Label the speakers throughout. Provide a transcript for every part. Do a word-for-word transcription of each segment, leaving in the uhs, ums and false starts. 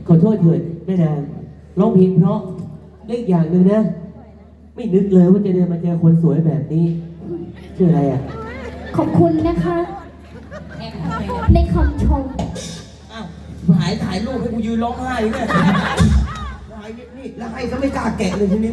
Speaker 1: ขอโทษเถิดแม่นางร้องเพลงเพราะเล็กอย่างหนึ่งนะไม่นึกเลยว่าจะเดินมาเจอคนสวยแบบนี้ชื่ออะไรอ่ะ
Speaker 2: ขอบคุณนะคะในคำชม
Speaker 3: อ้าวหายถ่ายรูปให้กูยืนร้องไห้เนี่ยถ่ายนี่แล้วให้ก็ไม่กล้าแกะเลยทีนี้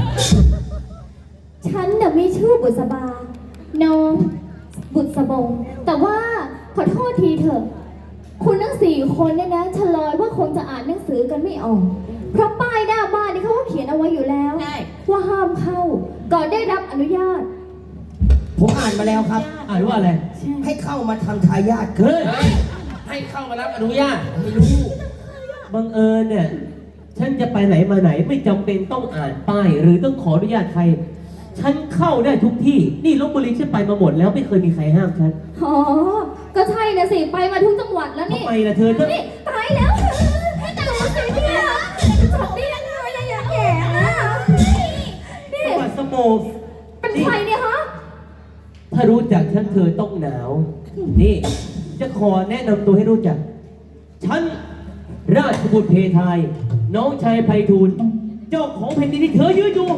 Speaker 2: ฉันน่ะมีชื่อบุษบาน้องบุษบงแต่ว่าขอโทษทีเถอะคุณทั้งสี่คนเนี่ยนะเฉลยว่าคงจะอ่านหนังสือกันไม่ออกเพราะป้ายหน้าบ้านนี่เขาก็เขียนเอาไว้อยู่แล้วว่าห้ามเข้าก่อนได้รับอนุญาต
Speaker 3: ผมอ่านมาแล้วครับ
Speaker 1: อ่านว่าอะไร
Speaker 3: ให้เข้ามาทำทายาทเฮ้ย
Speaker 4: ให้เข้ามารับอนุญาตไม่รู้
Speaker 1: บังเอิญเนี่ยฉันจะไปไหนมาไหนไม่จำเป็นต้องอ่านป้ายหรือต้องขออนุญาตใครฉันเข้าได้ทุกที่นี่ลพบุรีฉันไปมาหมดแล้วไม่เคยมีใครห้ามฉัน
Speaker 2: อ๋อก็ใช่นะสิไปมาทุกจังหวัดแล้วนี่
Speaker 1: ทำไมล่ะเธอ
Speaker 2: นี่ตายแล้วแต่ดูสิเนี่ยจบได้ยังไงอะอย่างแย่นะนี่
Speaker 1: จังหวัดสมง
Speaker 2: เป็นใครเนี่ยฮะ
Speaker 1: ถ้ารู้จักฉันเธอต้องหนาวนี่จะขอแนะนำตัวให้รู้จักฉันราชบุตรเพทายน้องชายไพฑูรย์เจ้าของแผ่นดินที่เธอยืนอยู่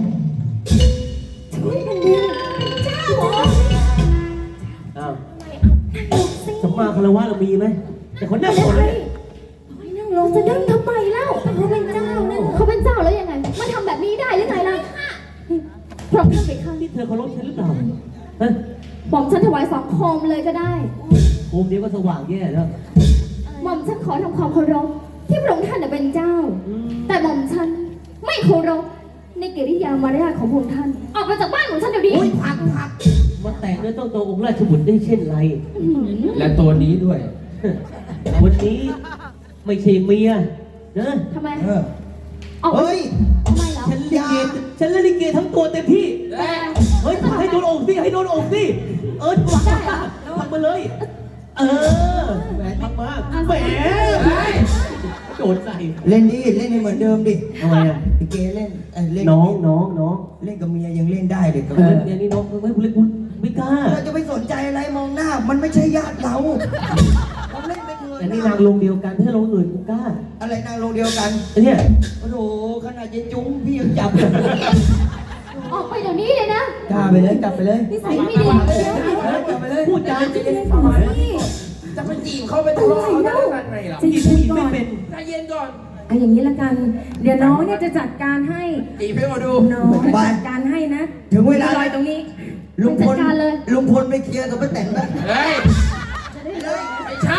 Speaker 1: อ้าวสมมาคารวะเรามีไหมแต่คนนั่งคนเลย
Speaker 2: นั่งลงจะนั่งทำไมเล่าเขาเป็นเจ้านะเขาเป็นเจ้าแล้วยังไงมาทำแบบนี้ได้หรือไงล่ะพร้อมทำไปข้าง
Speaker 1: ที่เธอเคารพฉันหรือเปล่าฮะ
Speaker 2: หม่อมฉันถวายสองโคมเลยก็ได้
Speaker 1: โคมเดียวก็สว่างแย่แล้ว
Speaker 2: หม่อมฉันขอทำความเคารพที่พระองค์ท่านเป็นเจ้าแต่หม่อมฉันไม่เคารพในกิริยามารยาทของพระองค์ท่านออกไปจากบ้านของฉันเดี๋ยวนี้
Speaker 3: พักพัก
Speaker 1: มาแตะเนื้อต้องตัวองค์ราชบุตรได้เช่นไร
Speaker 4: และตัวนี้ด้วย
Speaker 1: วันนี้ไม่ใช่เมียนะ
Speaker 2: ทำไม
Speaker 3: เฮ้ย
Speaker 2: ทำไมเหรอ
Speaker 1: ฉันลิเกฉันเล่นลิเกทั้งตัวเต็มที่เฮ้ยให้โดนอกสิให้โดนอกสิเออทำมาเลยเออแหมทำมาแหมโดนใส่
Speaker 3: เล่นดิเล่นให้เหมือนเดิมดิ
Speaker 1: ทำไมอ่ะ
Speaker 3: ลิเกเล่นเล่น
Speaker 1: น้องน้องน้อง
Speaker 3: เล่นกับเมียยังเล่นได้เลยกับ
Speaker 1: เมียนี่น้องไม่เล่นไม่กล้า
Speaker 3: เราจะไปสนใจอะไรมองหน้ามันไม่ใช่ญาติเราเราเล่นไปเถอะ
Speaker 1: แต่นี่นางลงเดียวกันถ้าลงอื่นกูกล้า
Speaker 3: อะไรนางลงเดียวกัน
Speaker 1: เนี่ย
Speaker 3: โอ้โหขนาดเย็นจุ้งพี่ยังจับ
Speaker 2: ออกไปเดี๋ยวนี้เลยนะ
Speaker 3: กล้าไปเลยกลับไปเลย
Speaker 2: นิสัยไม่ดี
Speaker 3: กลับไปเลย
Speaker 1: พูดจา
Speaker 3: จะ
Speaker 1: เป็น
Speaker 3: สมัย
Speaker 4: จะไปจีบเขาไปทะเลาะเขาได้ยังไงล่ะ
Speaker 1: จีบผู้หญิงไม่เป็น
Speaker 4: ใจเย็นก่อน
Speaker 5: เอาอย่างนี้ละกันเดี๋ยวน้องเนี่ยจะจัดการให้
Speaker 4: จีบให้มาดู
Speaker 5: น้องจัดการให้นะ
Speaker 3: ถึงเวลา
Speaker 5: ลอยตรงนี้
Speaker 3: ลุงพลลุงพลไปเคลียร์กับป้าแตนนะ
Speaker 4: เฮ้ยไม่ใช่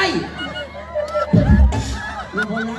Speaker 3: ลุงพลละ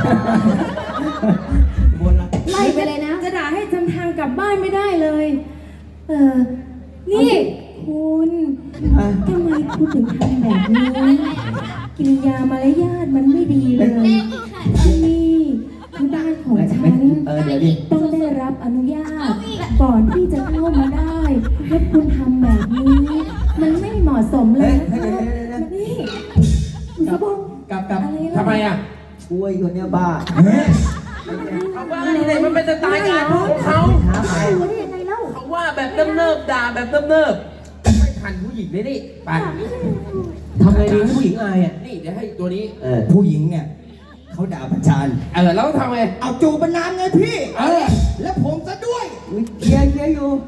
Speaker 2: บนละไล่ไปเลยนะ
Speaker 5: จะด่าให้จำทางกลับบ้านไม่ได้เลยเออนี่คุณทำไมคุณถึงทำแบบนี้กิริยามารยาทมันไม่ดีเลยที่นี่ที่บ้านของฉันต้องได้รับอนุญาตก่อนที่จะเข้ามาได้แล้วคุณทำแบบนี้มันไม่เหมาะสมเลยนะคะนี่คุณสะบง
Speaker 3: กลับกลับ
Speaker 4: ทำไมอ่ะ
Speaker 3: กล้วยคนนี้บ้า
Speaker 4: เขาว่าอะไรมันเป็นสไตล์งานของเขาเขาว่าแบบเนิบๆด่าแบบเนิบๆไม่ทันผู้หญิงเลยนี่ไป
Speaker 1: ทำไงดีให้ผู้หญิงอายอ่ะ
Speaker 4: นี่เดี๋ยวให้ตัวนี้
Speaker 3: ผู้หญิงเนี่ยเขาด่าประจาน
Speaker 4: เออแล้วทำไง
Speaker 3: เอาจูบน้ำไงพี่เออแล้วผมซะด้วยเคียร์เคียร์อยู่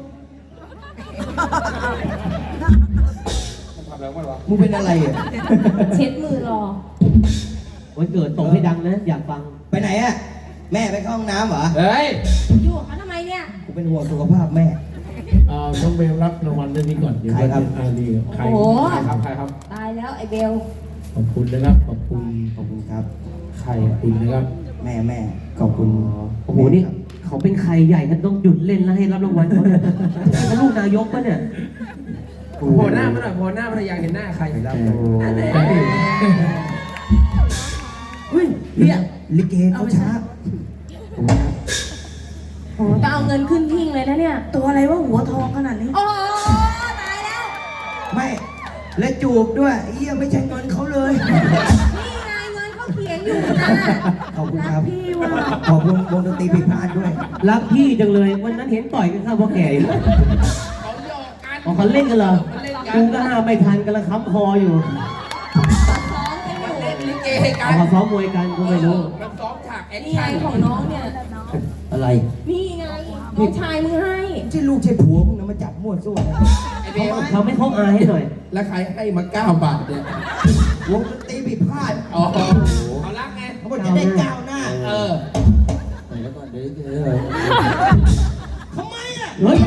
Speaker 4: ทำแล้วมั้งวะ
Speaker 3: มึงเป็นอะไรอ่ะ
Speaker 2: เช็ดมือรอ
Speaker 1: วันเกิดตกให้ดังนะอยากฟัง
Speaker 3: ไปไหนอ่ะแม่ไปเข้าห้องน้ำเหรอ
Speaker 4: เฮ้ย
Speaker 2: อยู่กับเขาทำไมเนี่ย
Speaker 3: กูเป็นห่วงสุขภาพแม่
Speaker 6: อ่าน้องเบลรับรางวัลเรื่องนี้ก่อน
Speaker 3: ใครครับ
Speaker 6: อาลีใคร
Speaker 4: ครับใครครับ
Speaker 2: ตายแล้วไอ้เบล
Speaker 6: ขอบคุณนะครับขอบคุณ
Speaker 3: ขอบคุณครับ
Speaker 6: ใครขอบคุณนะครับ
Speaker 3: แม่แม่ขอบคุณ
Speaker 1: โอ้โหนี่เขาเป็นใครใหญ่กันต้องหยุดเล่นแล้วให้รับรางวัลเขาเนี่ยเขาลูกนายกปะเนี่ย
Speaker 4: โผล่หน้ามาหน่อยโผล่หน้ามาหน่อยอยากเห็นหน้าใคร
Speaker 3: รับ
Speaker 4: เฮ้ยเนี่ย
Speaker 3: ลิเกเขาช้า
Speaker 5: โอ้จะเอาเงินขึ้นทิ้งเลยนะเนี่ย
Speaker 3: ตัวอะไรว่าหัวทองขนาดนี้
Speaker 2: โอ้ตายแล้ว
Speaker 3: ไม่และจูบด้วยเอี้ยไม่ใช่เงินเขาเลย
Speaker 2: นี่ไงเงินเขาเขียนอยู่นะ
Speaker 3: ขอบคุณครับพี่ว่าขอบคุณวงดนตรีพิพาทด้วย
Speaker 1: รักพี่จังเลยวันนั้นเห็นต่อยกันข้าวพ่อแก่อยู่
Speaker 4: เขาหยอกกัน
Speaker 1: อ๋อเขาเล่นกันเหรอกูก็ห้ามไม่ทันกันละค้ำคออยู่
Speaker 4: มันเล่นลิเกให้กั
Speaker 1: เอา
Speaker 4: น
Speaker 1: มาซ้อมมวยกันกูไม่รู้
Speaker 4: มันซ้อมฉากแอค
Speaker 5: นี่ไง
Speaker 4: ชั่น
Speaker 5: ของน้องเนี่ย
Speaker 3: อะไร
Speaker 5: นี่ไงน้องชายมึงให้
Speaker 3: ใช่ลูกใช่ผัวมึงนะมาจับมั่วซั่วนะ
Speaker 4: ไอเบล
Speaker 1: ทำให้เขาอายให้หน่อย
Speaker 4: แล้วใครให้มาเก้าบาทเนี่ย
Speaker 3: วงดนตรีผิดพลาด
Speaker 4: อ๋อเอาละไง
Speaker 3: เขาบอกจะได้ก้าวหน้า
Speaker 4: เออ
Speaker 3: แล้วก็เดี๋ยวเดี๋ยวทำไมอ่ะ
Speaker 1: เฮ้ย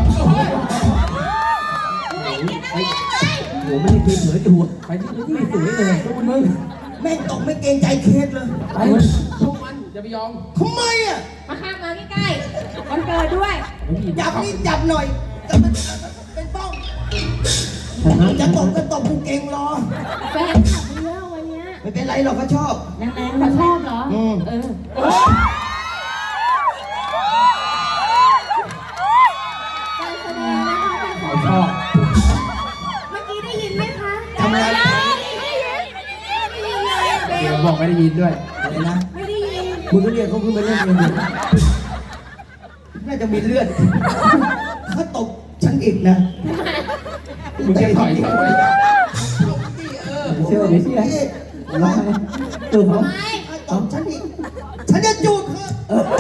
Speaker 4: โอ้ย
Speaker 1: หัวไม่ได้กินเหลืออยู่ไปที่ที่สวยเลยสู้มึง
Speaker 3: แม่งตกไม่เกรงใจเคสเลย
Speaker 1: ไป
Speaker 4: สู้มันอย่าไปยอม
Speaker 3: ทำไมอ่ะ
Speaker 5: มาข้ามมาใกล้ๆวันเกิดด้วย
Speaker 3: จับนี่จับหน่อยแต่มันเป็นป้อง
Speaker 1: ชนะ
Speaker 3: จะตบก็ตบกูเก่งรอ
Speaker 5: แฟนขับเยอะวันเนี้ย
Speaker 3: ไม่เป็นไรหรอกเขาชอบ
Speaker 5: นางๆเขาชอบเหรอ
Speaker 3: อืม
Speaker 5: เออ
Speaker 4: โอ้ย
Speaker 2: การแสดงนะคะเป็นของ
Speaker 1: ชอบ
Speaker 2: เมื่อกี้ได้ยินไหมคะ
Speaker 3: ทำอะไร
Speaker 2: ไม่ได้ยินไม่ได้ยินไม่ได้ยินเลยเบ
Speaker 4: เดี๋ย
Speaker 2: ล
Speaker 4: วบอกไม่ได้ยินด้วย
Speaker 3: อะไรนะ
Speaker 2: ไม่ได้ยิน
Speaker 3: มึงก็เรียกเขาขึ้นมาเล่นเองดิน่าจะมีเลือดถ้าตบฉันอีกนะ
Speaker 4: มึงจะถอยทำไมลงที่เออ
Speaker 1: เชื่อไม่เชื่อ
Speaker 3: นี่
Speaker 1: ร้องตัวเขา
Speaker 3: ถ้าตบฉันอีกฉันจะจูดเธอ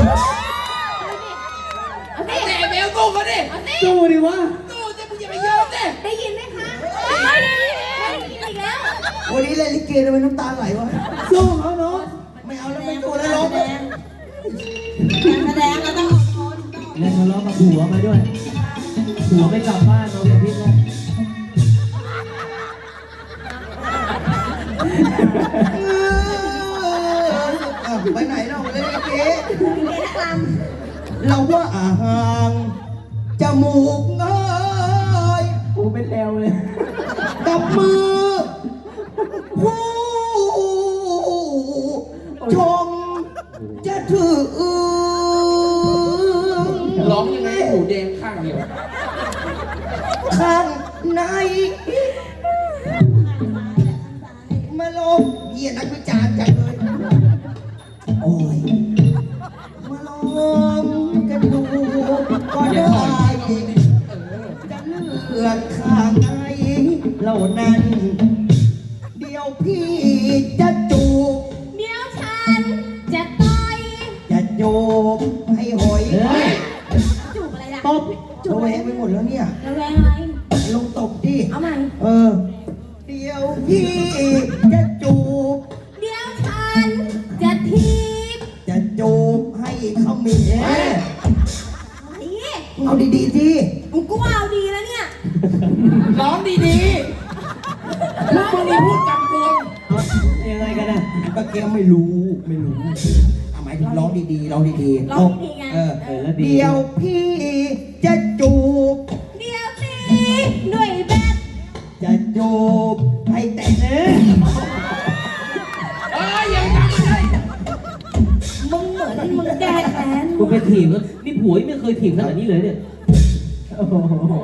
Speaker 2: เอาสิ
Speaker 4: แต่เบลกู้เขาดิ
Speaker 2: เอาสิ
Speaker 1: สู้ดิวะ
Speaker 4: กู้จะมึงอย่าไปยอมดิ
Speaker 2: ได้ยินไหมคะไม่ได้ยินไม่ได้ยินอีกแล้ว
Speaker 3: วันนี้เล่นลิเกทำไมน้ำตาไหลวะ
Speaker 1: สู้เขาเนาะ
Speaker 3: ไม่เอาแล้วไม่ดูแล้วร้องเลย
Speaker 5: การแสดงเราต้องอดทน
Speaker 1: แล้วทะเลาะกับผัวมาด้วยผัวไม่กลับบ้านนอนกับพิษแล้ว
Speaker 3: เออไปไหนเราเล่นลิเกเราว่าอาหางจมูกเงย
Speaker 1: กูเป็นแลวเลย
Speaker 3: กับมือผู้ชมจะถือ
Speaker 4: ร้องยังไงให้หูแดงข้างเดียว
Speaker 3: ข้างในมาลงเหี้ยนักวิจารณ์จังเลยโอ้ยมาลองกันดูก็
Speaker 4: อย่า
Speaker 3: ได้
Speaker 4: ถอยเข้ามาดิเออ
Speaker 3: จะเลือกข้างไหนเหล่านั้น เดี๋ยวพี่จะจูบ
Speaker 2: เดี๋ยวฉันจะต่อย
Speaker 3: จะจูบให้หอย
Speaker 1: เฮ้ย
Speaker 2: จูบอะไรล่ะ
Speaker 1: ตบ
Speaker 3: ระแวงไปหมดแล้วเนี่ย
Speaker 2: ระแวงอะไร
Speaker 3: ลงตบดิ
Speaker 2: เอาใหม่
Speaker 3: เออ เดี๋ยวพี่จะจูบ
Speaker 2: เดี๋ยวฉันจะทีบ
Speaker 3: จะจูบให้เขามีเอ๊ะ
Speaker 2: อะไร
Speaker 3: เอาดีๆสิ
Speaker 2: มึงกูว่าเอาดีแล้วเนี่ย
Speaker 4: ร้องดีๆแล้วมึงนี่พูดกำกวม
Speaker 1: ยังไงกันนะ
Speaker 3: ป้าแก้วไม่รู้ไม่รู้เอาหมายถึงร้องดีๆร้องดีๆ
Speaker 2: ร้องดีๆไง
Speaker 3: เออ
Speaker 1: เออแล้วดี
Speaker 3: เดี๋ยวพี่จะจูบ
Speaker 2: เดี๋ยวสิด้วยแบต
Speaker 3: จะจูบให้แต่เอ๊ะ
Speaker 4: เอ้ยยังจำไม่ได้
Speaker 2: มึงเหมือนมึงแก้แค้น
Speaker 1: กูไปถีบแล้วนี่ผัวยังไม่เคยถีบขนาดนี้เลยเนี่ยโอ้โห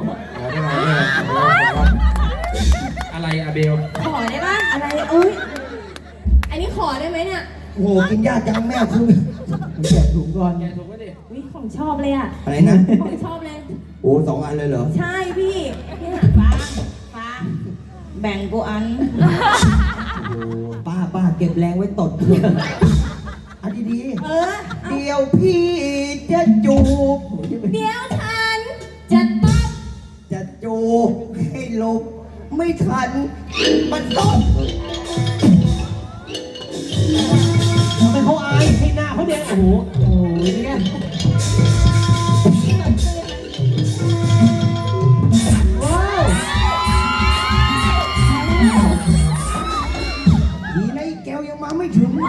Speaker 4: อะไรอะเบล
Speaker 2: ขอได้ปะอะไรเอ้ยอันนี้ขอได้ไหมเนี่ย
Speaker 3: โอ้โหกินยากจังแม่คุณแจกถุงก่อน
Speaker 4: แกถูกไหมดิ
Speaker 2: วิของชอบเลยอ่ะ
Speaker 3: อะไรนะ
Speaker 2: ของชอบเลย
Speaker 3: โอ้สองอันเลยเหรอ
Speaker 2: ใช่พี่เนี่ย
Speaker 5: ฟ้าฟ้าแบ่งกูอัน
Speaker 3: โอ้ป้าป้าเก็บแรงไว้ตดอันดี
Speaker 2: เออ
Speaker 3: ๆเดี๋ยวพี่จะจูบ
Speaker 2: เดี๋ยวฉันจะตบ
Speaker 3: จะจูบให้หลบไม่ทัน มันตบ
Speaker 1: ทำไมเขาอายให้หน้าเขาแดงโอ้โหโอ้โหนี่ไงว้าว
Speaker 3: ดีนะไอ้แก้วยังมาไม่ถึง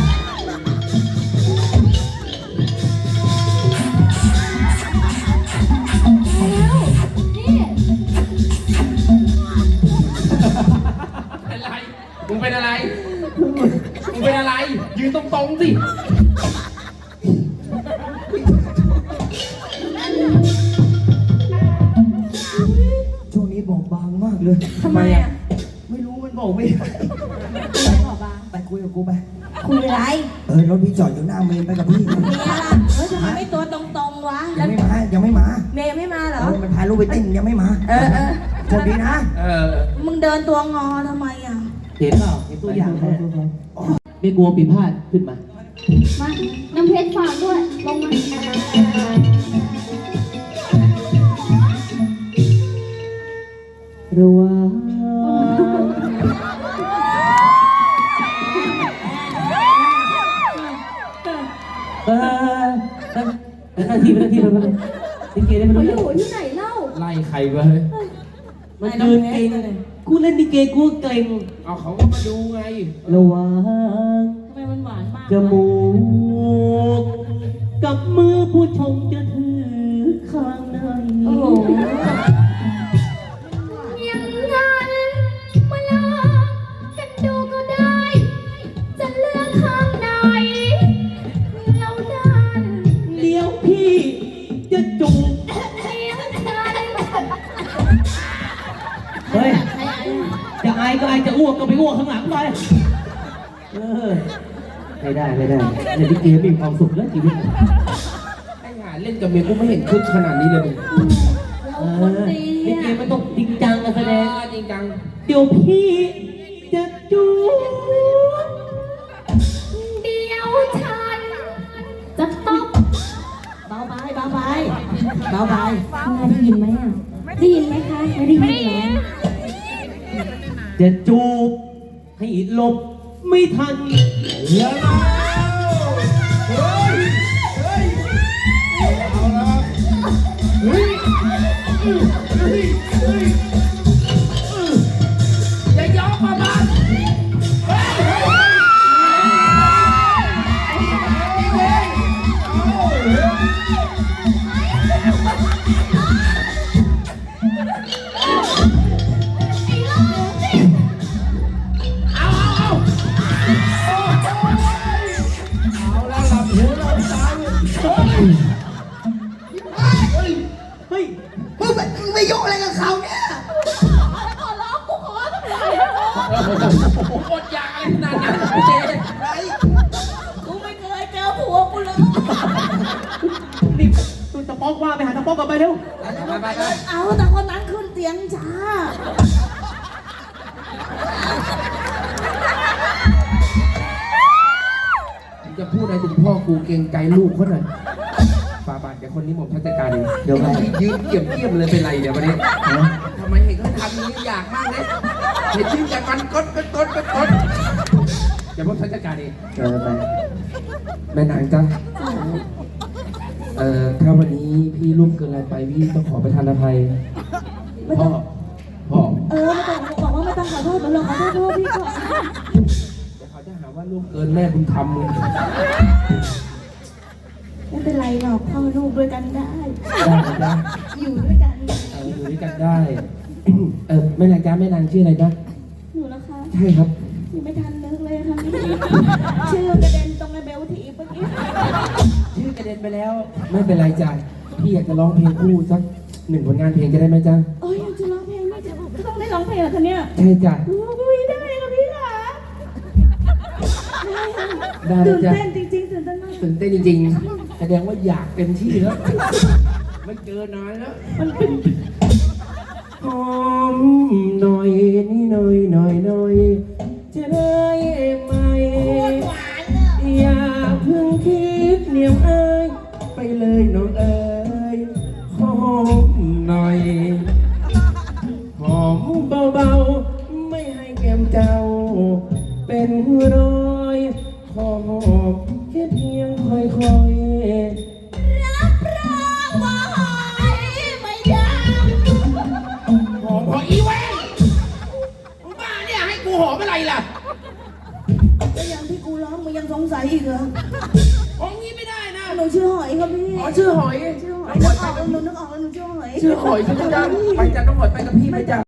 Speaker 2: แล้วนี่
Speaker 4: เป็นไรมึงเป็นอะไรมึงเป็นอะไร ยืนตรงๆสิ
Speaker 3: ช่วงนี้บอกบางมากเลย
Speaker 2: ทำไมอ่ะ
Speaker 3: ไม่รู้มันบอกไม่ได้
Speaker 2: ไม่บอกบ้าง
Speaker 3: ไปคุยกับกูไป
Speaker 2: คุยอะไร
Speaker 3: เออรถพี่จอดอยู่หน้าเมนไปกับพี่
Speaker 2: เมียล่ะเฮ้ยทำไมไม่ตัวตรงๆวะ
Speaker 3: ยังไม่มายังไม่มา
Speaker 2: เมียยังไม่มาเหร
Speaker 3: เอ
Speaker 2: อ
Speaker 3: อมันพาลูกไปเต้นยังไม่มา
Speaker 2: เออเออ
Speaker 3: โชคดีนะ
Speaker 4: เออ
Speaker 2: มึงเดินตัวงอทำไมอ่ะ
Speaker 1: เห็นเปล่าเห็นตัวอย่างไหมไม่กลัวปีพาดขึ้นมา
Speaker 2: มาน้ำเพชรฝากด้วย ลงมา
Speaker 1: ระวังเออนั่งนั่งทีไปนั่งทีไปเลยลิเกได้มัน
Speaker 2: เขา
Speaker 1: รู้
Speaker 2: อ
Speaker 1: เรื่อง
Speaker 2: ยู่ที่ไหนเล่า
Speaker 6: ไล่ใครวะเฮ้ย
Speaker 1: มันเดินเก่งกูเล่นลิเกกูเก่ง
Speaker 4: เอาเขาก็มาดูไง
Speaker 1: ระวัง
Speaker 5: ทำไมมันหวานมาก
Speaker 1: จมูกกับมือผู้ชมจะถือข้างใน
Speaker 5: โอ้โห
Speaker 2: อย่างนั้นมาลองกันดูก็ได้ จะเลือกข้างไหนเราดัน
Speaker 1: เดี๋ยวพี่จะจูบ
Speaker 2: เลี้ยงฉัน
Speaker 1: เฮ้ย จะอายก็อายจะอ้วกก็ไปอ้วกข้างหลังไปเออไม่ได้ไม่ได้ในลิเกมีความสุขแล้วชีวิต
Speaker 4: ไอ้ห่าเล่นกับเมียกูไม่เห็นคึกขนาดนี้เลยมึง
Speaker 1: เออลิเกมันต้องจริงจังกันแสดง
Speaker 4: จริงจัง
Speaker 1: เดี๋ยวพี่จะจูบ
Speaker 2: เดี๋ยวฉันจะตบ
Speaker 5: เบาไปเบาไปเบาไปงานได้ยินไหมอ่ะได้ยินไหมคะไม่ได้ยินเหรอ
Speaker 1: จะจูบให้หลบไม่ทัน
Speaker 6: เดี๋ยวนะเฮ้ย เฮ้ย เอาละเฮ้ยเฮ้ย เฮ้ย เฮ้ย
Speaker 4: อย่ายอมมาบ้าน
Speaker 6: เอาละหลับหูหลับตาเลยเฮ้ย
Speaker 1: เฮ้ย
Speaker 3: มึงไปมึงไปยุ่งอะไรกับเขาเนี่ย
Speaker 4: อดอยากอะไรขนาดนั้นเจ๊
Speaker 5: กูไม่เคยเจอผัวกูเลย
Speaker 1: นี่ตัวตะป๊อกว่าไปหาตะป๊อกกลับไปเร็ว
Speaker 4: ไปไปไป
Speaker 5: เอาแต่คนนั้นขึ้นเตียงช้า
Speaker 4: จะพูดอะไรถึงพ่อกูเกรงใจลูกเขาหน่อยฟาบาทเดี๋ยวคนนี้ผมชัดจัดการเอง
Speaker 1: เดี๋ยวครับ
Speaker 4: ยืนเกี่ยมเกี่ยมเลยเป็นไรเดี๋ยววันนี้ทำไมเห็นเขาทำอย่างนี้อยากมากเลยเห็นชื่อจากมันกดกดกดกดกดเดี๋ยวผมชัดจัดการเอง
Speaker 1: เออไป
Speaker 4: แม่นางจ้าเอ่อถ้าวันนี้พี่ร่วมเกินอะไรไปพี่ต้องขอประทานอภัยพ่อพ่อ
Speaker 5: เออไม่ต้องบอกว่าไม่ต้องขอโทษหนูหรอกขอโทษพี่ก่อน
Speaker 4: เดี๋ยวเขาจะหาว่าร่วมเกินแม่บุญธรรมมึง
Speaker 5: ไม่เป็นไรหรอกพ่อลูกด้วยกันได้
Speaker 4: ได้ไหมจ๊ะ
Speaker 5: อยู่ด้วยกัน
Speaker 4: เอออยู่ด้วยกันได้ เออแม่นางจ้าแม่นางชื่ออะไรจ๊ะ
Speaker 5: หนูนะคะ
Speaker 4: ใช่ครับ
Speaker 5: ยังไม่ทันนึกเลยค่ะพี่ชื่อกระเด็นตรงไอ้เบลทีเมื่อกี้
Speaker 4: ชื่อกระเด็นไปแล้ว ไม่เป็นไรจ้ะพี่อยากจะร้องเพลงคู่สักหนึ่งผลงานเพลงจะได้ไหมจ๊ะ
Speaker 5: โอ้ยจะร้องเพลงไม่จะต้องได้ร้องเพลงเหรอคะเนี่ย
Speaker 4: ใช่จ้ะ
Speaker 5: โอ้ยได้ค่ะพี่ค่ะ
Speaker 4: ได้ไหม
Speaker 5: ตื่น
Speaker 4: จ๊ะ
Speaker 5: เต้นจริงๆตื่นเต้นมาก
Speaker 4: ตื่นเต้นจริงๆแสดงว่าอยากเต็มที่แล้วไม่เจอนานแล้ว
Speaker 5: มันเป็น
Speaker 4: หอมหน่อยนี่หน่อยหน่อยหน่อยจะได้ไหมอย่าเพิ่งคิดเหนียวเอ้ยไปเลยน้องเอ้ยหอมหน่อยหอมเบาๆไม่ให้แก้มเจ้า เป็นรอยหอมแค่เพียงค่อยๆ
Speaker 5: รับรองว่าหอยไม่ยัง
Speaker 4: หอมพออีเว้นมึงบ้าเนี่ยให้กูหอมอะไรล่ะ
Speaker 5: ก็ยังที่กูร้องมึงยังสงสัยอีกเหรอ
Speaker 4: หอมงี้ไม่ได้นะ
Speaker 5: หนูชื่อหอยครับพี่
Speaker 4: อ๋อชื่อหอย
Speaker 5: ชื่อหอยนึกออกแล้วหนูนึกออกแล้วหนูชื่อหอย
Speaker 4: ชื่อหอยใช่ไหมจ๊ะไปจ้ะน้องหอยไปกับพี่ไหมจ๊ะ